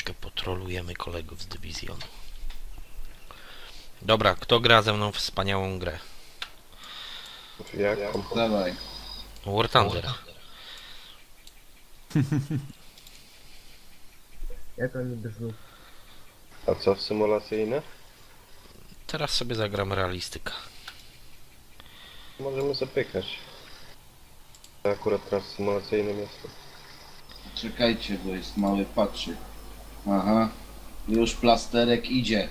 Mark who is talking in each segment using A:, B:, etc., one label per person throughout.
A: Troszkę potrolujemy kolegów z dywizjonu. Dobra, kto gra ze mną w wspaniałą grę?
B: Jaką?
C: Dawaj.
A: War Thunder.
D: Jak oni brzmi?
B: A co w symulacyjne?
A: Teraz sobie zagram realistyka.
B: Możemy zapykać. Ja akurat teraz symulacyjnym jestem.
C: Czekajcie, bo jest mały patrzyk. Aha. Już plasterek idzie.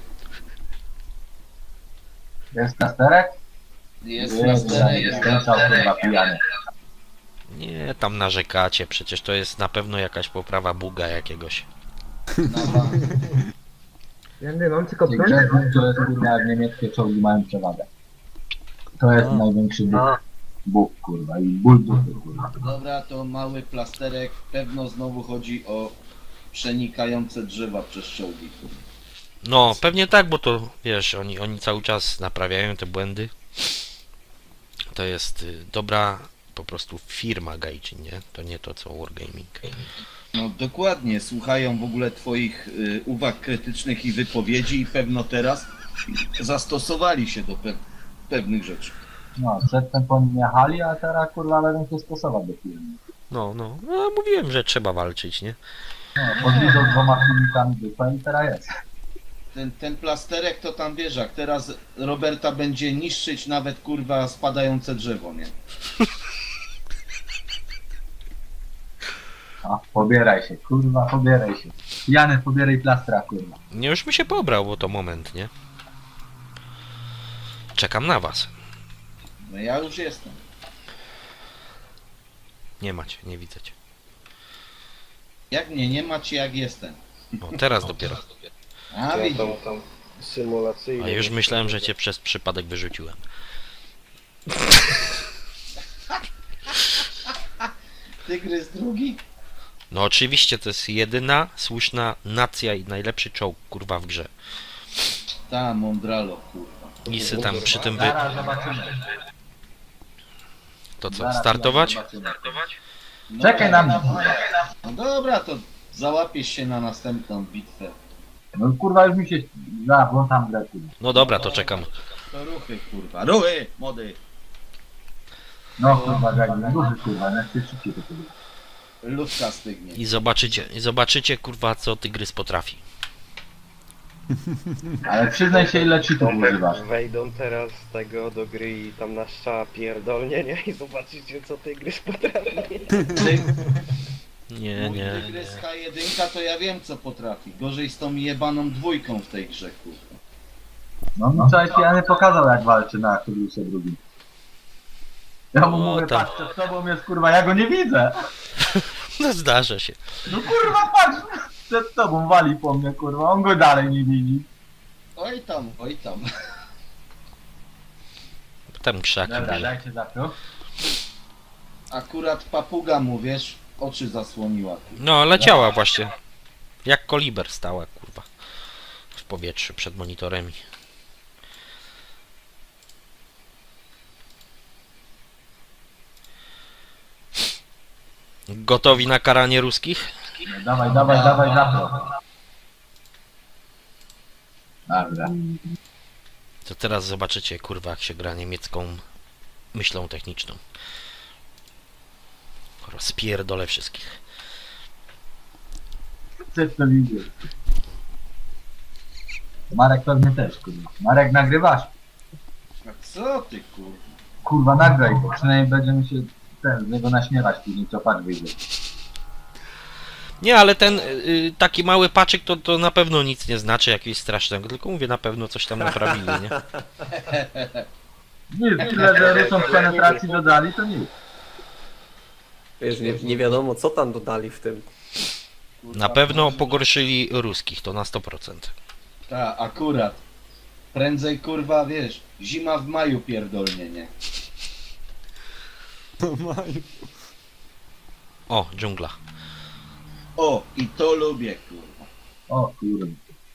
E: Jest plasterek?
C: Jest plasterek.
E: Jest chyba pijany.
A: Nie, tam narzekacie, przecież to jest na pewno jakaś poprawa buga jakiegoś.
C: Na bank.
D: Ja nie mam tylko
E: Ci
D: broń.
E: grzecznik, to jest kurwa jak niemieckie czołgi mają przewagę. To jest największy Bóg. Bóg kurwa i ból dupy kurwa.
C: Dobra, to mały plasterek. Pewno znowu chodzi o przenikające drzewa przez czołgi.
A: No, pewnie tak, bo to, wiesz, oni cały czas naprawiają te błędy. To jest dobra po prostu firma Gaijin, nie? To nie to co Wargaming.
C: No dokładnie, słuchają w ogóle twoich uwag krytycznych i wypowiedzi i pewno teraz zastosowali się do pewnych rzeczy.
E: No, przedtem po nim jechali, a teraz kurwa będą się stosować do firmy.
A: No, mówiłem, że trzeba walczyć, nie?
E: No, podwiedzą dwoma filmikami dupa i teraz jest.
C: Ten plasterek to tam wiesz, jak teraz Roberta będzie niszczyć nawet kurwa spadające drzewo, nie?
E: A, pobieraj się, kurwa, pobieraj się. Jany, pobieraj plastra, kurwa.
A: Nie, już mi się pobrał, bo to moment, nie? Czekam na was.
C: No ja już jestem.
A: Nie macie, nie widzę cię.
C: Jak mnie nie macie, jak jestem.
A: O, teraz dopiero.
C: A
B: Ja
C: widzisz.
B: tam symulacyjny.
A: A już myślałem, że cię przez przypadek wyrzuciłem.
C: Tygrys drugi?
A: No oczywiście, to jest jedyna słuszna nacja i najlepszy czołg, kurwa, w grze.
C: Ta, Mondralo, kurwa.
A: I sy tam przy tym wy...
E: Zaraz zobaczymy.
A: To co,
E: Zaraz
A: startować?
E: zobaczymy.
C: No,
E: Czekaj na mnie, kurwa.
C: No dobra, to załapiesz się na następną bitwę.
E: No kurwa, już mi się... Zaraz, włączam grę, kurwa.
A: No dobra, to czekam.
C: To ruchy, kurwa. Ruchy, młody.
E: No kurwa, Gagi, duży kurwa, na szybciej to kurwa.
C: Ludka stygnie.
A: I zobaczycie, kurwa, co tygrys potrafi.
E: Ale przyznaj się, ile cheatów używasz.
B: Wejdą teraz z tego do gry i tam na strzała pierdolnie, nie? I zobaczycie co tygrys potrafi.
A: Nie,
C: Mój
A: nie.
C: tygrys H1 to ja wiem co potrafi. Gorzej z tą jebaną dwójką w tej grze, kurwa.
E: No wczoraj pijany pokazał jak walczy na Tylusie drugim. Ja mu
A: O,
E: mówię,
A: tam.
E: patrz, przed tobą jest kurwa, ja go nie widzę.
A: No zdarza się.
E: No kurwa, patrz, przed tobą wali po mnie kurwa, on go dalej nie widzi.
C: Oj tam, oj tam.
A: Tam krzaki
E: Dobra,
A: były.
E: dajcie zapiął.
C: Akurat papuga mu, wiesz, oczy zasłoniła. Kurwa.
A: No, leciała właśnie. Jak koliber stała, kurwa. W powietrzu przed monitorami. Gotowi na karanie ruskich?
E: No, dawaj, zapiął. Dobra.
A: To teraz zobaczycie, kurwa, jak się gra niemiecką myślą techniczną. Rozpierdolę wszystkich.
E: Chcesz to widzieć. Marek pewnie też kurwa. Marek, nagrywasz?
C: A co ty, kurwa?
E: Kurwa, nagraj go, przynajmniej będziemy się z niego naśmiewać później, co patrz wyjdzie.
A: Nie, ale ten taki mały paczyk to na pewno nic nie znaczy jakiegoś strasznego, tylko mówię, na pewno coś tam naprawili, nie?
E: Nic, tyle, że Rusom w penetracji dodali, to nic.
D: Wiesz, nie wiadomo co tam dodali w tym.
C: Kurwa,
A: Na pewno pogorszyli ruskich, to na 100%.
C: Ta, akurat. Prędzej, kurwa, wiesz, zima w maju pierdolnie, nie?
A: O, dżungla.
C: O, i to lubię, kurwa.
E: O kurwa.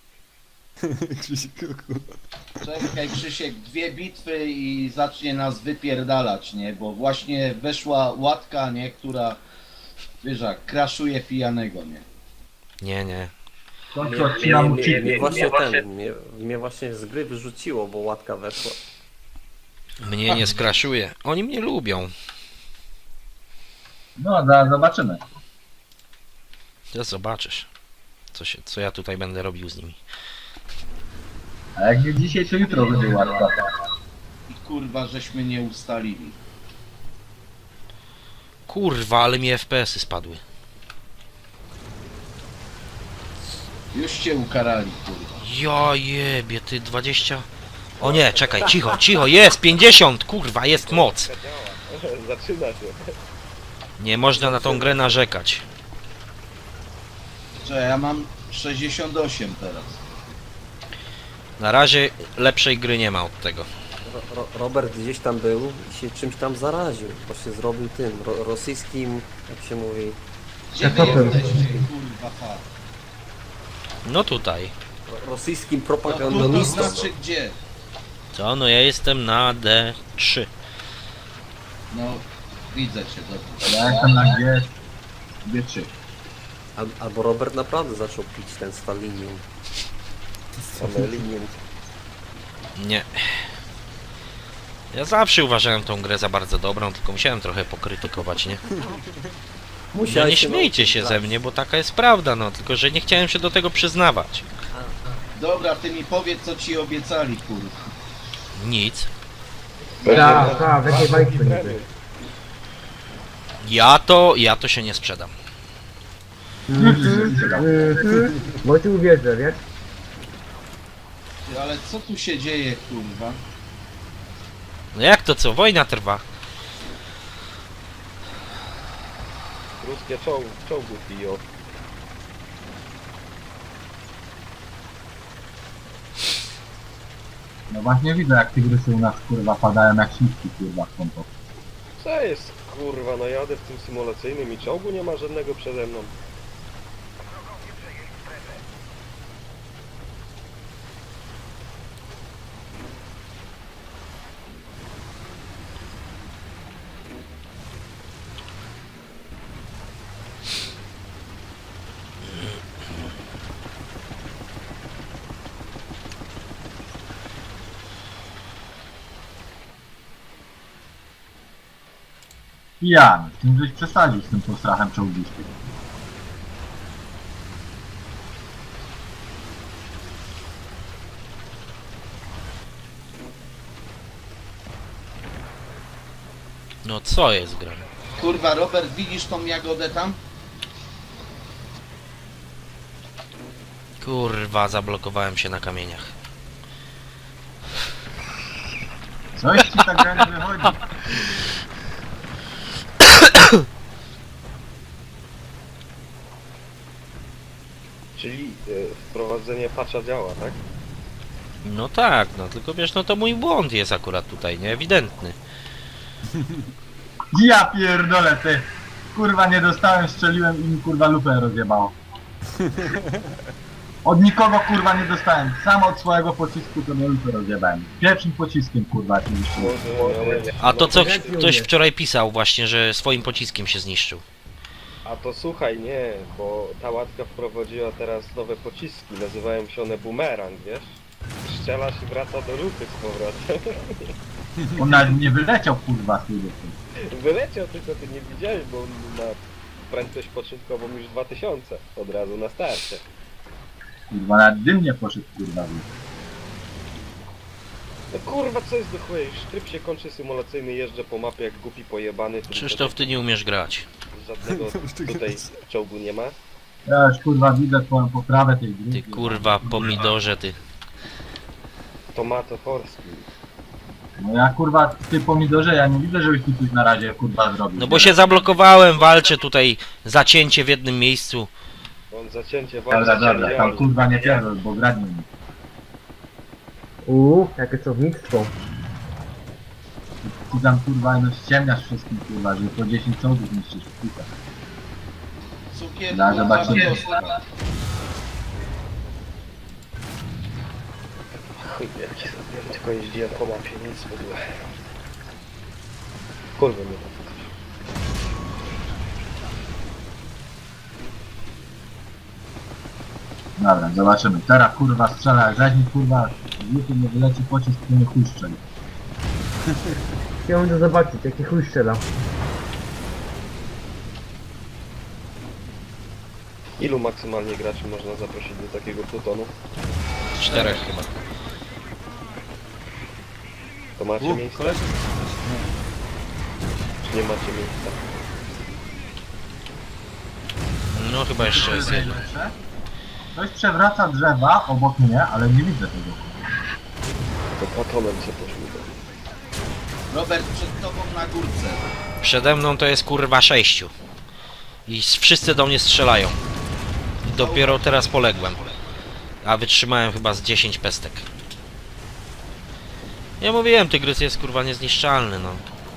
C: Czekaj, Krzysiek, 2 bitwy i zacznie nas wypierdalać, nie? Bo właśnie weszła łatka, nie? Która, wiesz, jak kraszuje pijanego, nie?
A: Nie.
E: W końcu odcinam mu cheaty.
D: Mnie właśnie z gry wyrzuciło, bo łatka weszła.
A: Mnie nie skraszuje. Oni mnie lubią.
E: No, zaraz zobaczymy.
A: To zobaczysz. Co ja tutaj będę robił z nimi.
E: A jak nie dzisiaj, to jutro będzie łatka.
C: I kurwa, żeśmy nie ustalili.
A: Kurwa, ale mi FPS-y spadły.
C: Już cię ukarali, kurwa.
A: Ja jebie, ty 20... O nie, czekaj, cicho, cicho, jest 50, kurwa, jest moc.
B: Działa. Zaczyna się.
A: Nie można na tą grę narzekać.
C: Że ja mam 68 teraz.
A: Na razie lepszej gry nie ma od tego.
D: Robert gdzieś tam był i się czymś tam zaraził. To się zrobił tym rosyjskim, jak się mówi,
C: Gdzie wy jesteście, kurwa, far?
A: No tutaj.
D: rosyjskim
C: No to
D: propagandonistą.
C: znaczy gdzie?
A: Co? No ja jestem na D3.
C: No, widzę cię, dobrze.
E: Ja jestem na G3.
D: Albo Robert naprawdę zaczął pić ten Stalinium. Stalinium.
A: Nie. Ja zawsze uważałem tą grę za bardzo dobrą, tylko musiałem trochę pokrytykować, nie? No nie śmiejcie się ze mnie, bo taka jest prawda, no, tylko że nie chciałem się do tego przyznawać.
C: Dobra, ty mi powiedz, co ci obiecali, kurwa.
A: Nic.
B: Tak, w jakiej bajce niby?
A: Ja to się nie sprzedam.
B: Bo ci uwierzę, wiesz?
C: Ty, ale co tu się dzieje, kurwa?
A: No jak to co? Wojna trwa.
B: Ruskie czołgów biją.
E: No właśnie widzę, jak tygrysy u nas kurwa padają jak śliwki kurwa w kąpach.
B: Co jest kurwa, no jadę w tym symulacyjnym i czołgu nie ma żadnego przede mną.
E: Pijany, z tym żeś przesadził z tym postrachem czołgistym.
A: No co jest grane?
C: Kurwa, Robert, widzisz tą jagodę tam?
A: Kurwa, zablokowałem się na kamieniach.
E: Coś ci tak gra nie wychodzi.
B: Czyli wprowadzenie patcha działa, tak?
A: No tak, no tylko wiesz, no to mój błąd jest akurat tutaj, nie? Ewidentny.
E: Ja pierdolę ty. Kurwa nie dostałem, strzeliłem i mi kurwa lupę rozjebało. Od nikogo kurwa nie dostałem. Sam od swojego pocisku to mnie lupę rozjebałem. Pierwszym pociskiem kurwa oczywiście.
A: A to co ktoś wczoraj pisał właśnie, że swoim pociskiem się zniszczył.
B: A to słuchaj, nie, bo ta łatka wprowadziła teraz nowe pociski, nazywają się one bumerang, wiesz? Strzelasz i wraca do lupy z powrotem.
E: On nawet nie wyleciał kurwa z tej lupy.
B: Wyleciał, tylko ty nie widziałeś, bo on ma prędkość początkową już 2000 od razu na starcie.
E: Kurwa nawet dym nie poszedł kurwa w lupę.
B: No kurwa, co jest do chuja? Już tryb się kończy symulacyjny, jeżdżę po mapie jak głupi pojebany.
A: Krzysztof, ty nie umiesz grać.
B: Żadnego tutaj czołgu nie ma.
E: Ja już kurwa widzę twoją poprawę tej gry.
A: Ty kurwa pomidorze, ty.
B: Tomato Horski.
E: No ja kurwa, ty pomidorze, ja nie widzę, żebyś tu coś na razie kurwa zrobił.
A: No bo się zablokowałem, walczę tutaj, zacięcie w jednym miejscu.
B: On zacięcie
E: Dobra, tam kurwa nie pierdol, bo gradnie mi.
F: Jakie słownictwo.
E: Ty tam kurwa no ściemniasz wszystkim kurwa, że po 10 czołgów niszczysz w pika.
C: Cukier,
E: Da, zobaczymy.
B: Chuj, jaki sobie, tylko jeździłem po mapie, nic w ogóle. Kurwa mnie to coś.
E: Dobra, zobaczymy. Teraz kurwa strzela, jak zaś mi kurwa z łuku nie wyleci pocisk, to nie chuj strzeli.
F: Chciałbym to zobaczyć, jaki chuj strzela.
B: Ilu maksymalnie graczy można zaprosić do takiego plutonu?
A: 4 chyba.
B: To macie miejsce?
G: koleżanki.
B: Czy nie macie miejsca?
A: No chyba jeszcze jest jeden.
E: Ktoś przewraca drzewa obok mnie, ale nie widzę tego.
B: To platonem się poszło.
C: Robert, przed tobą na górce.
A: Przede mną to jest kurwa 6. I wszyscy do mnie strzelają. I dopiero teraz poległem. A wytrzymałem chyba z 10 pestek. Ja mówiłem, tygrys jest kurwa niezniszczalny, no.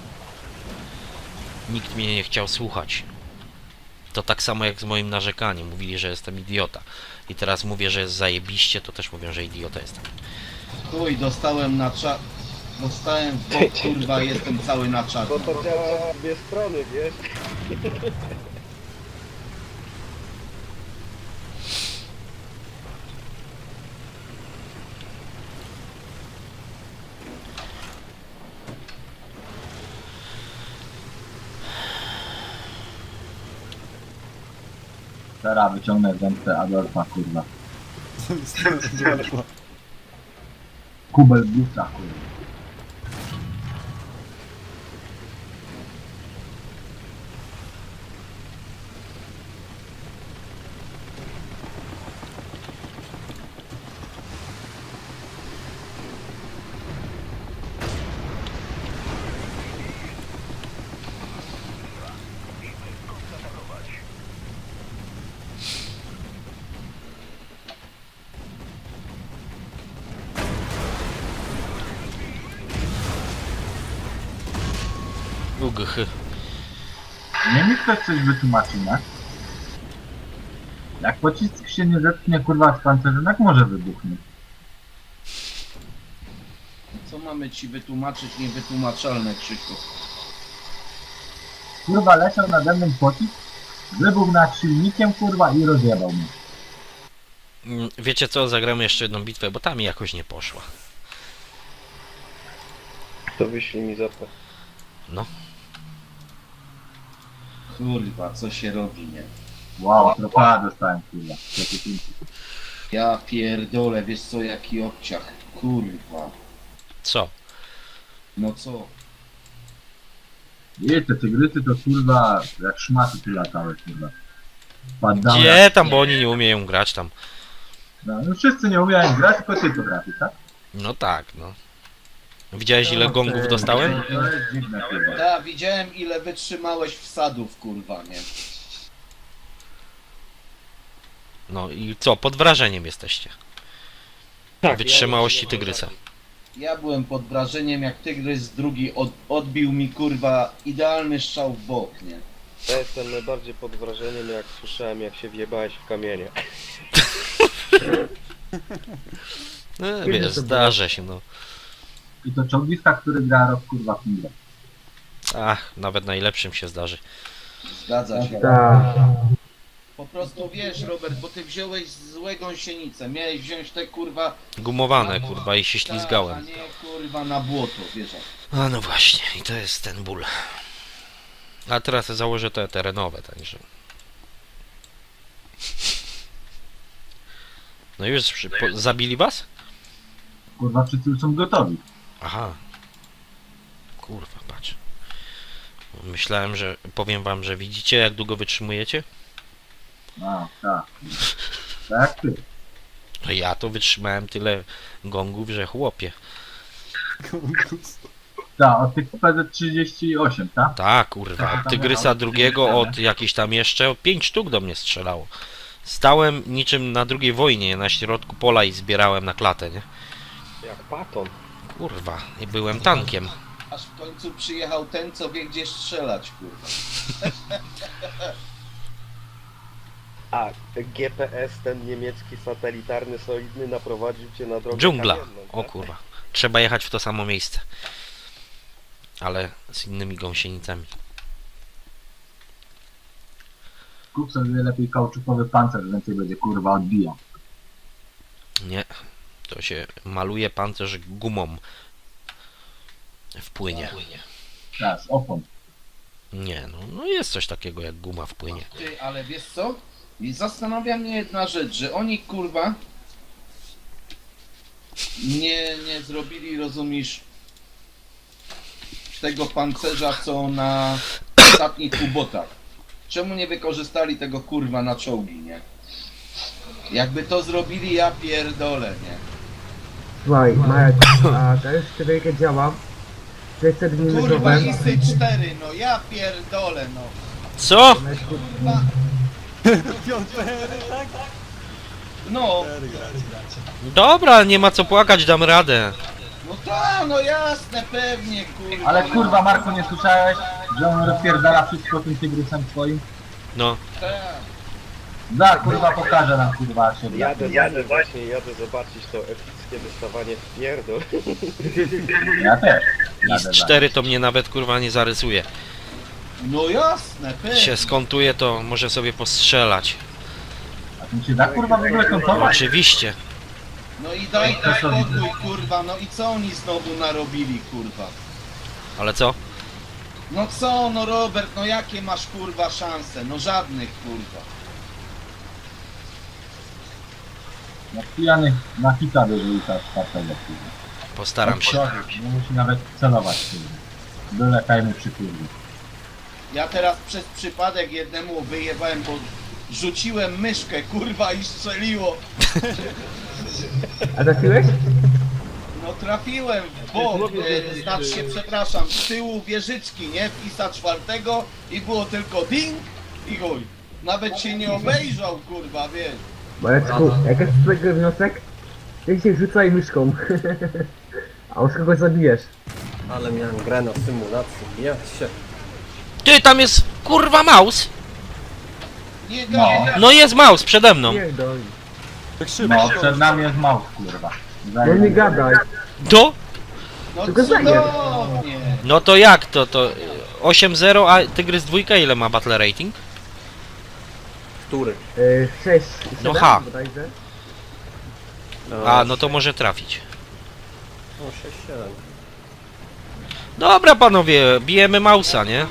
A: Nikt mnie nie chciał słuchać. To tak samo jak z moim narzekaniem. Mówili, że jestem idiota. I teraz mówię, że jest zajebiście, to też mówią, że idiota jestem.
C: Chuj, dostałem na czat. Dostałem w bok, kurwa, jestem cały na czat.
B: Bo to działa w dwie strony, wiesz?
E: Teraz wyciągnę zemstę Adolfa, kurwa. Kubel busa, kurwa.
A: Ugh.
E: Nie mi ktoś coś wytłumaczy, nie? Jak pocisk się nie zetknie, kurwa, z pancerzem, jak może wybuchnąć?
C: Co mamy ci wytłumaczyć niewytłumaczalne, Krzysiu?
E: Kurwa, leciał nade mną pocisk, wybuchł nad silnikiem, kurwa, i rozjebał mnie.
A: Wiecie co, zagramy jeszcze jedną bitwę, bo ta mi jakoś nie poszła.
B: To wyślij mi zapę.
A: No.
C: Kurwa, co się robi, nie?
E: Wow, tropa dostałem, kurwa.
C: Ja pierdolę, wiesz co, jaki obciach. Kurwa.
A: Co?
C: No co?
E: I te tygrysy to, kurwa, jak szmaty tu latały, kurwa. Padamy.
A: Gdzie tam, bo oni nie umieją grać tam.
E: No wszyscy nie umieją grać, tylko ty potrafisz, tak?
A: No tak, no. Widziałeś ile gongów dostałem?
E: To jest dziwne, kurwa.
C: Ja widziałem ile wytrzymałeś wsadów, kurwa, nie?
A: No i co, pod wrażeniem jesteście. Wytrzymałości tygrysa.
C: Ja byłem pod wrażeniem, jak tygrys drugi odbił mi, kurwa, idealny strzał w bok, nie?
B: Ja jestem najbardziej pod wrażeniem, jak słyszałem, jak się wjebałeś w kamienie.
A: No, wiesz, zdarza się, no.
E: I to czołgista, który gra rok, kurwa, w Mile.
A: Ach, nawet najlepszym się zdarzy.
C: Zgadza się.
F: Tak.
C: Po prostu wiesz, Robert, bo ty wziąłeś złe gąsienicę. Miałeś wziąć te, kurwa...
A: Gumowane, kurwa, i się
C: A
A: ślizgałem.
C: nie, kurwa, na błoto, wiesz.
A: A no właśnie, i to jest ten ból. A teraz założę te terenowe, także... No już zabili was?
E: Kurwa, wszyscy już są gotowi.
A: Aha. Kurwa, patrz. Myślałem, że... Powiem wam, że widzicie jak długo wytrzymujecie?
E: A, tak. Tak jak ty.
A: No ja to wytrzymałem tyle gongów, że chłopie.
E: Tak, od tych PZ38, tak?
A: Tak, kurwa. Od tygrysa drugiego, od jakichś tam jeszcze 5 sztuk do mnie strzelało. Stałem niczym na II wojnie na środku pola i zbierałem na klatę, nie?
B: Jak paton.
A: Kurwa, i byłem tankiem.
C: Aż w końcu przyjechał ten, co wie gdzie strzelać, kurwa.
B: A GPS, ten niemiecki satelitarny, solidny, naprowadził cię na drogę
A: Dżungla.
B: kamienną,
A: O
B: tak?
A: kurwa. Trzeba jechać w to samo miejsce. Ale z innymi gąsienicami.
E: Kup sobie lepiej kauczukowy pancerz, więcej będzie, kurwa, odbijał.
A: Nie, to się maluje pancerz gumą w płynie.
E: Teraz, opon.
A: Nie, no jest coś takiego jak guma w płynie.
C: Ty, ale wiesz co? I zastanawia mnie jedna rzecz, że oni kurwa nie zrobili, rozumiesz, tego pancerza co na ostatnich ubotach. Czemu nie wykorzystali tego kurwa na czołgi, nie? Jakby to zrobili, ja pierdolę, nie?
F: Słuchaj, Marek, a teraz człowieka działa. 600 dni
C: Kurwa
F: nowe.
C: ISy 4, no ja pierdolę, no.
A: Co?
C: No,
A: Dobra, nie ma co płakać, dam radę.
C: no tak, no jasne, pewnie, kurwa.
E: Ale kurwa, Marku, nie słyszałeś, że on rozpierdala wszystko tym tygrysem swoim?
A: No,
C: Tak.
E: Da, kurwa, pokażę nam, kurwa, się
B: Jadę zobaczyć to epickie dostawanie w pierdol.
E: Ja też.
A: i z
E: Jadę za.
A: 4 to mnie nawet kurwa nie zarysuje.
C: No jasne, pewnie.
A: Się skontuje, to może sobie postrzelać.
E: A tym się da, kurwa, w ogóle kontować?
A: Oczywiście.
C: No i daj to spokój, kurwa, no i co oni znowu narobili, kurwa?
A: Ale co?
C: No co, no Robert, no jakie masz, kurwa, szanse? No żadnych, kurwa.
E: Jak pijany na hita wyrzuca z czwartego, kurwa.
A: Postaram się.
E: Nie musi nawet celować, kurwa. Byle tajmy przy kurwie.
C: Ja teraz przez przypadek jednemu wyjebałem, bo rzuciłem myszkę, kurwa, i strzeliło.
F: A trafiłeś?
C: No trafiłem w bok, znaczy się, przepraszam, z tyłu wieżyczki, nie? W ISA 4 i było tylko ding i chuj. Nawet się nie obejrzał, kurwa, wiesz.
F: Mareczku, jak jest z tego wniosek? Ty się rzucaj myszką. A już kogoś zabijesz.
D: Ale miałem grę na symulacji, ja się.
A: Ty, tam jest kurwa maus!
C: Nie
E: No.
C: gadaj.
A: No jest maus przede mną.
F: Pierdol.
E: No, przed nami jest maus, kurwa.
F: No nie gadaj.
A: To?
C: No
F: Tylko zajeb.
C: cudownie.
A: No to jak to? To 8-0, a Tygrys 2 ile ma battle rating?
D: Który?
F: 6,
A: No
F: 7
A: ha.
F: bodajże.
A: A, no to może trafić.
D: No 6-7.
A: Dobra panowie, bijemy mausa, nie?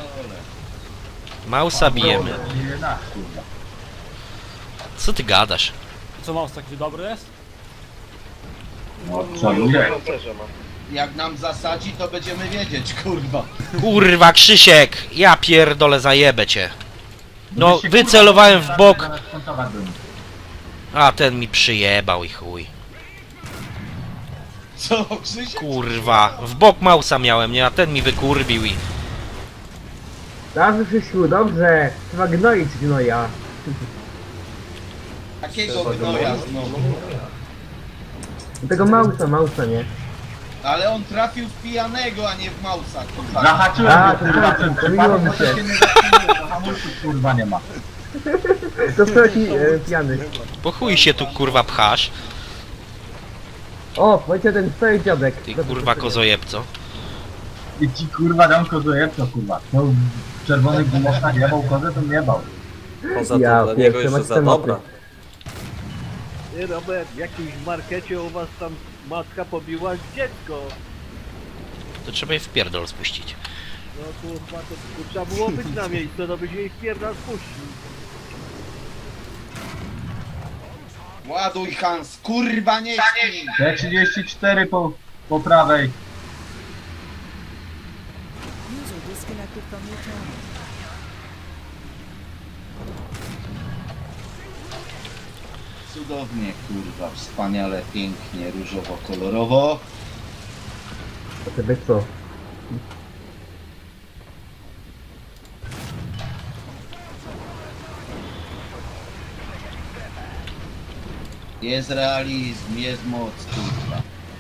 A: Mausa bijemy.
E: 11, kurwa.
A: Co ty gadasz?
G: Co mouse taki dobry jest?
E: No, przeluję.
B: Pancerze ma.
C: Jak nam zasadzi, to będziemy wiedzieć, kurwa.
A: Kurwa Krzysiek, ja pierdolę zajebę cię. No,
E: Byś się,
A: wycelowałem
E: kurwa,
A: w bok,
E: zamiast kontować do nich.
A: a ten mi przyjebał i chuj.
C: Co, Krzysiek?
A: Kurwa, w bok mausa miałem, nie? A ten mi wykurbił i...
F: Dobrze, Krzysiu, dobrze. Trzeba gnoić gnoja.
C: Takiego gnoja znowu.
F: Tego mausa, nie?
C: Ale on trafił w pijanego, a nie w mausa, kurwa.
E: Zahaczyłem
F: A,
E: go,
F: to
E: kurwa,
F: tak,
E: ten
F: pomyliło
E: przypadek,
F: mi
E: bo to
F: się.
E: się nie zatrzymuje, to hamulców, kurwa, nie ma.
F: To taki pijany.
A: Po chuj się tu kurwa pchasz,
F: O, powiedział ten stary dziadek.
A: ty
F: Dobrze,
A: kurwa
F: to
A: kozojebco.
E: I ci, kurwa, dam kozojebco, kurwa. No, w czerwonych gumowcach jebał kozę, to nie jebał.
D: Poza tym
F: Ja
D: dla niego
F: pierwszy
D: jeszcze
F: masz
D: za
F: tematy.
D: dobra.
H: Ty Robert, w jakimś markecie u was tam matka pobiła dziecko.
A: To trzeba je w pierdol spuścić.
H: No kurwa, to trzeba było być na miejscu, no byś jej wpierdal spuścił.
C: Ładuj Hans, kurwa nie śpi.
E: T34 po prawej.
I: User disconnected from your channel.
C: Cudownie, kurwa, wspaniale, pięknie, różowo, kolorowo.
F: To tebe co?
C: Jest realizm, jest moc, kurwa.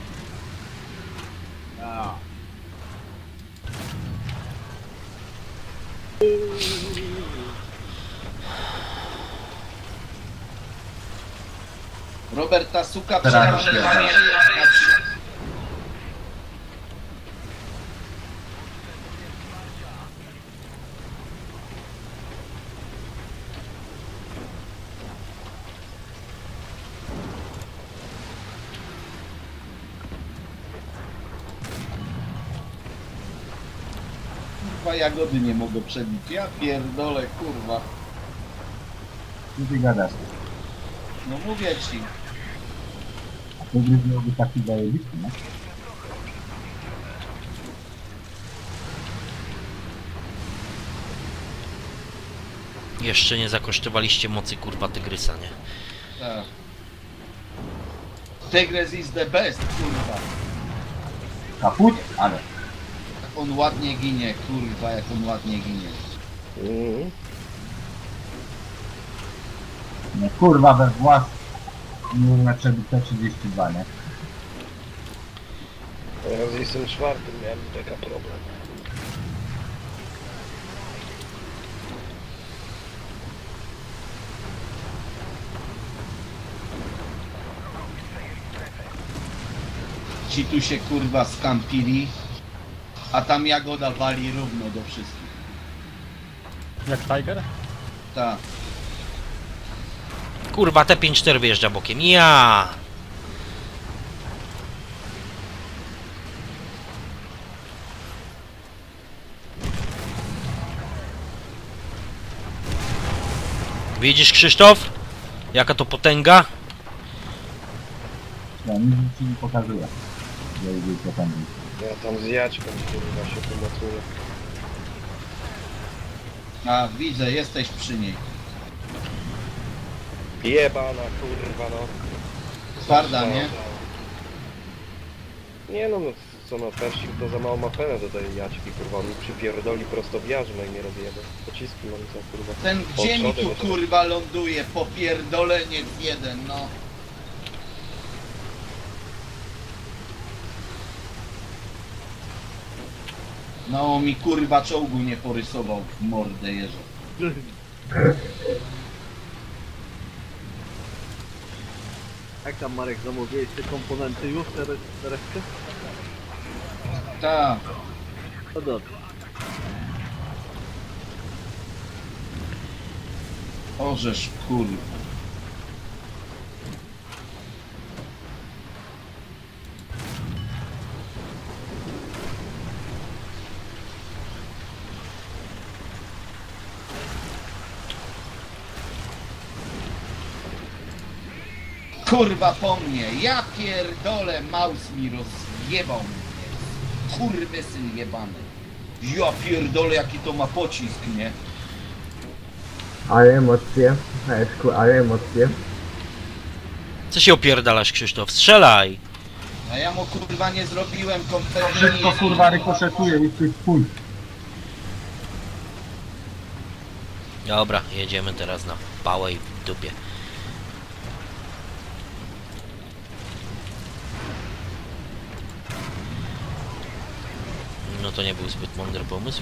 C: Roberta Suka
E: Teraz
C: przekonuje. kurwa jagody nie mogę przebić. Ja pierdolę, kurwa.
E: Co ty gadasz?
C: No mówię ci.
E: A to gry byłoby taki zajebisty, nie?
A: Jeszcze nie zakosztowaliście mocy kurwa tygrysa, nie?
C: Tak. Tygrys is the best, kurwa.
E: Kaput? Ale.
C: Jak on ładnie ginie, kurwa, jak on ładnie ginie.
B: Mhm.
E: Nie, kurwa, we włas nie uleczyli T32, nie?
B: Ja z jestem czwartym miałem taka problem.
C: Ci tu się kurwa skampili, a tam jagoda wali równo do wszystkich.
G: Jak Tiger?
C: Tak.
A: Kurwa, T54 wyjeżdża bokiem. Ja! Widzisz, Krzysztof? Jaka to potęga?
E: Ja nic ci nie pokazuję. Że co tam jest.
B: Ja tam z Jaćką kurwa się pomocuję.
C: A widzę, jesteś przy niej.
B: Jebana kurwa no.
C: Twarda, nie?
B: Nie no, co no, Persik to za mało ma penę do tej Jaćki kurwa. On mi przypierdoli prosto w jarzmę i nie rozjebę. Pociski mam za kurwa.
C: Ten gdzie mi tu
B: Przodem jeszcze.
C: kurwa ląduje? Popierdoleniec jeden, no. No mi kurwa czołgu nie porysował w mordę jeża.
H: Jak tam Marek zamówiłeś te komponenty już, te resztę?
C: Tak.
H: No dobrze.
C: Orzesz kurwa. Kurwa po mnie, ja pierdolę, Maus mi rozjebał mnie. Kurwysyn jebany. Ja pierdolę, jaki to ma pocisk, nie?
F: Ale emocje, Eszku, ale emocje.
A: Co się opierdalasz, Krzysztof? Strzelaj!
C: A ja mu kurwa nie zrobiłem kompletnie
E: Wszystko
C: nic.
E: kurwa rykoszetuje, jesteś chuj.
A: Dobra, jedziemy teraz na pałę i w dupie. No to nie był zbyt mądry pomysł.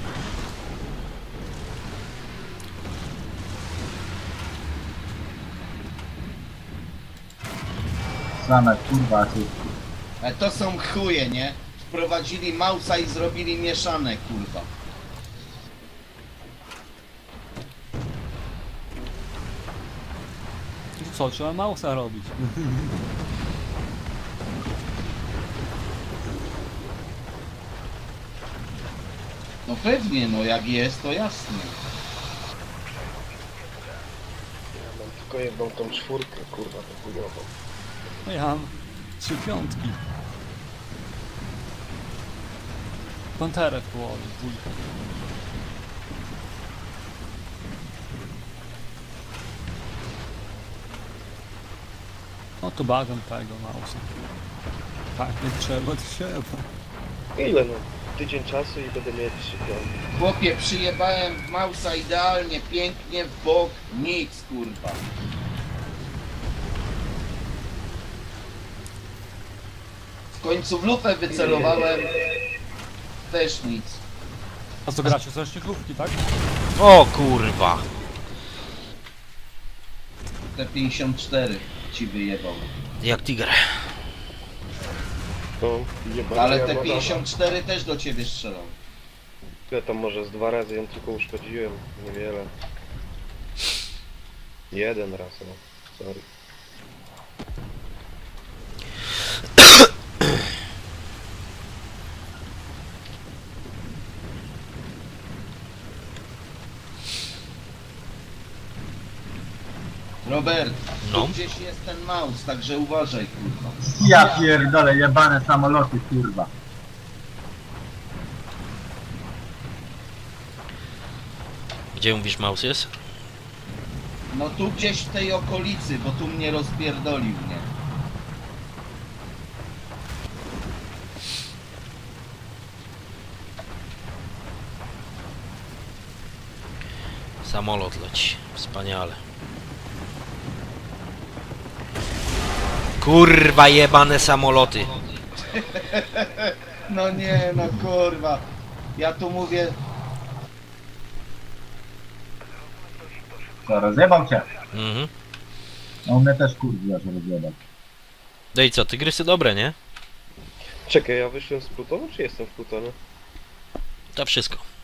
E: Same kurwa, asysty.
C: A to są chuje, nie? Wprowadzili Mausa i zrobili mieszane, kurwa.
G: To co, trzeba Mausa robić.
C: No pewnie, no jak jest, to jasne.
B: Ja mam tylko jedną tą czwórkę kurwa tą chujową.
G: No ja mam 3 piątki. Panterę w połowie, dwójkę. No to bagam tego Mausa. Tak, nie trzeba, to trzeba.
B: Ile no? Tydzień czasu i będę mieć 3 piątki.
C: Chłopie, przyjebałem w Mausa idealnie, pięknie, w bok, nic, kurwa. W końcu w lufę wycelowałem, też nic.
G: A co gracie, coś krówki, tak?
A: O kurwa!
C: Te 54 ci wyjebał.
A: Jak tiger.
B: No, jebana
C: Ale te
B: jagoda.
C: 54 też do ciebie strzelał.
B: Ja tam może z 2 razy ją tylko uszkodziłem, niewiele. Jeden raz, no. Sorry.
C: Robert,
A: No.
C: tu gdzieś jest ten mouse, także uważaj, kurwa.
E: Ja pierdolę, jebane samoloty, kurwa.
A: Gdzie mówisz mouse jest?
C: No tu gdzieś w tej okolicy, bo tu mnie rozpierdolił, nie?
A: Samolot leci. Wspaniale. Kurwa jebane samoloty.
C: No nie, no kurwa. Ja tu mówię,
E: Co, rozjebał cię?
A: Mhm.
E: No mnie też kurwa, że rozjebał.
A: No i co, tygrysy dobre, nie?
B: Czekaj, ja wyszłem z Plutonu, czy jestem w Plutonie?
A: To wszystko.